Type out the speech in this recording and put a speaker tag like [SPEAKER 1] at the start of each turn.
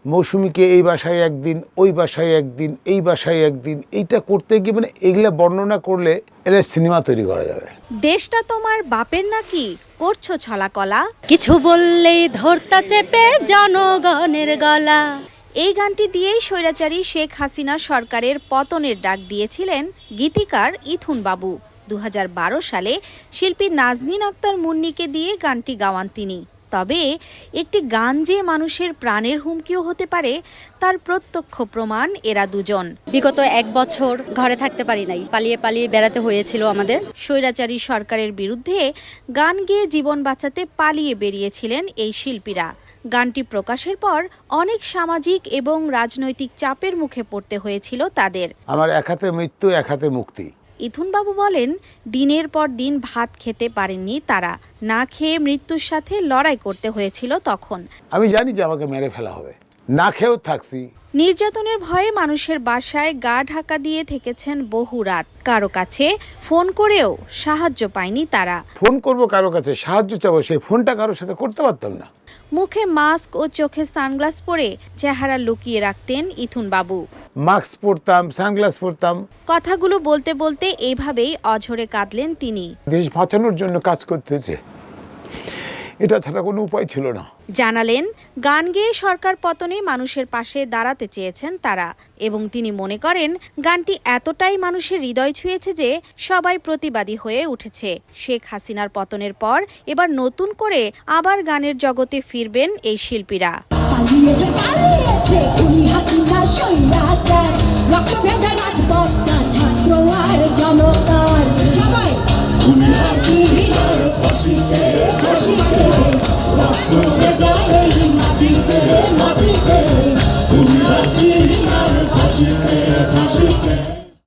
[SPEAKER 1] মৌসুমীকে এই বাসায় একদিন, ওই বাসায় একদিন, এই বাসায় একদিন, এইটা করতে গিয়ে মানে এগুলা বর্ণনা করলে এটা সিনেমা তৈরি করা যাবে।
[SPEAKER 2] দেশটা তোমার বাপের নাকি, করছো ছলাকলা,
[SPEAKER 3] কিছু বললেই ধরতা চেপে জনগণের গলা।
[SPEAKER 2] এই গানটি দিয়েই স্বৈরাচারী শেখ হাসিনা সরকারের পতনের ডাক দিয়েছিলেন গীতিকার ইথুন বাবু। 2012 সালে শিল্পী নাজনীন আক্তার মুন্নিকে দিয়ে গানটি গাওয়ান তিনি। তবে একটি গান যে মানুষের প্রাণের হুমকিও হতে পারে তার প্রত্যক্ষ প্রমাণ এরা দুজন।
[SPEAKER 3] বিগত 1 বছর ঘরে থাকতে পারি নাই, পালিয়ে পালিয়ে বেড়াতে হয়েছিল আমাদের।
[SPEAKER 2] স্বৈরাচারী সরকারের বিরুদ্ধে গান গেয়ে জীবন বাঁচাতে পালিয়ে বেরিয়েছিলেন এই শিল্পীরা। গানটি প্রকাশের পর অনেক সামাজিক এবং রাজনৈতিক চাপের মুখে পড়তে হয়েছিল তাদের।
[SPEAKER 1] আমার এক হাতে মৃত্যু, এক হাতে মুক্তি।
[SPEAKER 2] ইথুন বাবু বলেন, দিনের পর দিন ভাত খেতে পারেননি তারা, না খেয়ে মৃত্যুর সাথে লড়াই করতে হয়েছিল তখন।
[SPEAKER 1] আমি জানি যে আমাকে মেরে ফেলা হবে, না খেয়েও থাকছি।
[SPEAKER 2] নির্যাতনের ভয়ে মানুষের বাসায় গা ঢাকা দিয়ে থেকেছেন বহু রাত। কারো কাছে ফোন করেও সাহায্য পায়নি তারা।
[SPEAKER 1] ফোন করব কারো কাছে, সাহায্য চাবো, সেই ফোনটা কারোর সাথে করতে পারতাম না।
[SPEAKER 2] মুখে মাস্ক ও চোখে সানগ্লাস পরে চেহারা লুকিয়ে রাখতেন ইথুন বাবু।
[SPEAKER 1] মাস্ক পরতাম, সানগ্লাস পরতাম।
[SPEAKER 2] কথাগুলো বলতে বলতে এইভাবেই অঝরে কাঁদলেন তিনি।
[SPEAKER 1] দেশ বাঁচানোর জন্য কাজ করতেছে, এটা ছাড়া কোনো উপায় ছিল না।
[SPEAKER 2] জানালেন, গান গেয়ে সরকার পতনে মানুষের পাশে দাঁড়াতে চেয়েছেন তারা, এবং তিনি মনে করেন গানটি এতটাই মানুষের হৃদয় ছুঁয়েছে যে সবাই প্রতিবাদী হয়ে উঠেছে। শেখ হাসিনার পতনের পর এবার নতুন করে আবার গানের জগতে ফিরবেন এই শিল্পীরা।
[SPEAKER 4] তুমি হাসিনার ফাঁসিতে ফাঁসিতে